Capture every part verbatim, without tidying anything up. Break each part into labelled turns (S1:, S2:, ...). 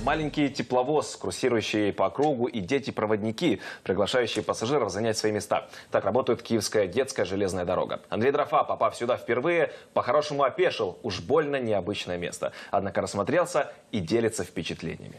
S1: Маленький тепловоз, курсирующий по кругу, и дети-проводники, приглашающие пассажиров занять свои места. Так работает Киевская детская железная дорога. Андрей Дрофа, попав сюда впервые, по-хорошему опешил. Уж больно необычное место. Однако рассмотрелся и делится впечатлениями.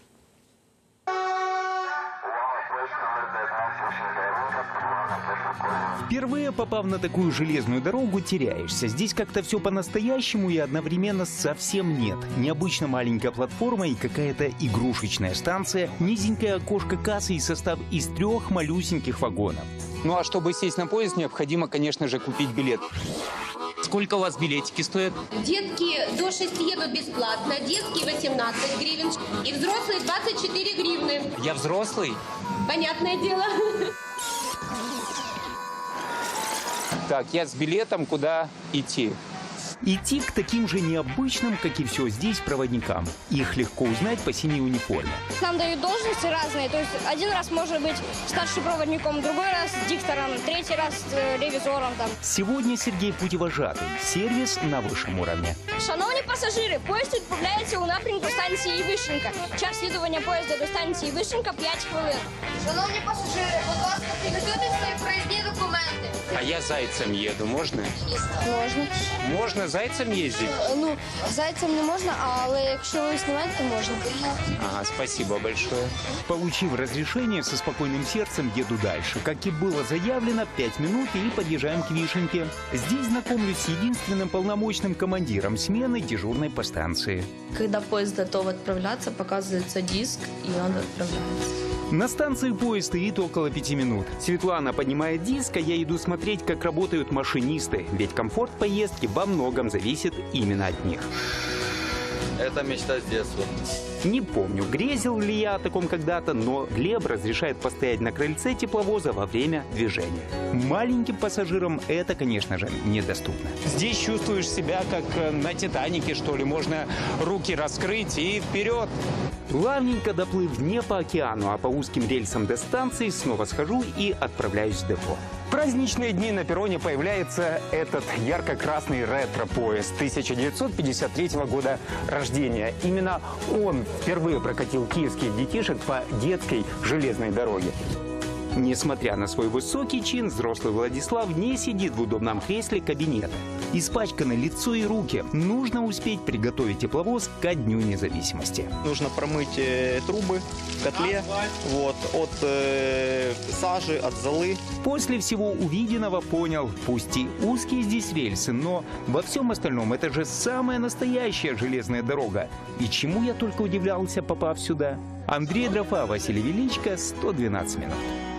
S2: Впервые попав на такую железную дорогу, теряешься. Здесь как-то все по-настоящему и одновременно совсем нет. Необычно маленькая платформа и какая-то игрушечная станция, низенькое окошко кассы и состав из трех малюсеньких вагонов.
S3: Ну а чтобы сесть на поезд, необходимо, конечно же, купить билет. Сколько у вас билетики стоят?
S4: Детки до шести едут бесплатно, детские восемнадцать гривен и взрослые двадцать четыре гривны.
S3: Я взрослый?
S4: Понятное дело.
S3: Так, я с билетом, куда идти?
S2: Идти к таким же необычным, как и все здесь, проводникам. Их легко узнать по синей униформе.
S5: Нам дают должности разные. То есть один раз может быть старшим проводником, другой раз диктором, третий раз э, ревизором. Там.
S2: Сегодня Сергей путевожатый. Сервис на высшем уровне.
S5: Шановні пасажири, поїзд відправляється у напрямку станції Вишенька. Час слідування поїзда до станції Вишенька п'ять хвилин.
S4: Шановні пасажири, будь ласка, підготуйте свої проїзні документи.
S3: А я зайцем еду, можно?
S5: Можна.
S3: Можно зайцем ездить?
S5: Ну, зайцем не можна, але якщо ви знімаєте, то можна.
S3: Ага, спасибо большое.
S2: Получив разрешение, со спокойным сердцем еду дальше. Как и было заявлено, пять минут и подъезжаем к Вишеньке. Здесь знакомлюсь с единственным полномочным командиром смены, дежурной по станции.
S6: Когда поезд готов отправляться, показывается диск, и он отправляется.
S2: На станции поезд стоит около пяти минут. Светлана поднимает диск, а я иду смотреть, как работают машинисты. Ведь комфорт поездки во многом зависит именно от них.
S7: Это мечта с детства.
S2: Не помню, грезил ли я о таком когда-то, но Глеб разрешает постоять на крыльце тепловоза во время движения. Маленьким пассажирам это, конечно же, недоступно.
S3: Здесь чувствуешь себя как на Титанике, что ли. Можно руки раскрыть и вперед.
S2: Плавненько доплыв не по океану, а по узким рельсам до станции, снова схожу и отправляюсь в депо.
S3: В праздничные дни на перроне появляется этот ярко-красный ретро-поезд тысяча девятьсот пятьдесят третьего года рождения. Именно он впервые прокатил киевских детишек по детской железной дороге.
S2: Несмотря на свой высокий чин, взрослый Владислав не сидит в удобном кресле кабинета. Испачканы лицо и руки. Нужно успеть приготовить тепловоз ко Дню независимости.
S8: Нужно промыть э, трубы в котле вот, от э, сажи, от золы.
S2: После всего увиденного понял, пусть и узкие здесь рельсы, но во всем остальном это же самая настоящая железная дорога. И чему я только удивлялся, попав сюда. Андрей Дрофа, Василий Величко, сто двенадцать минут.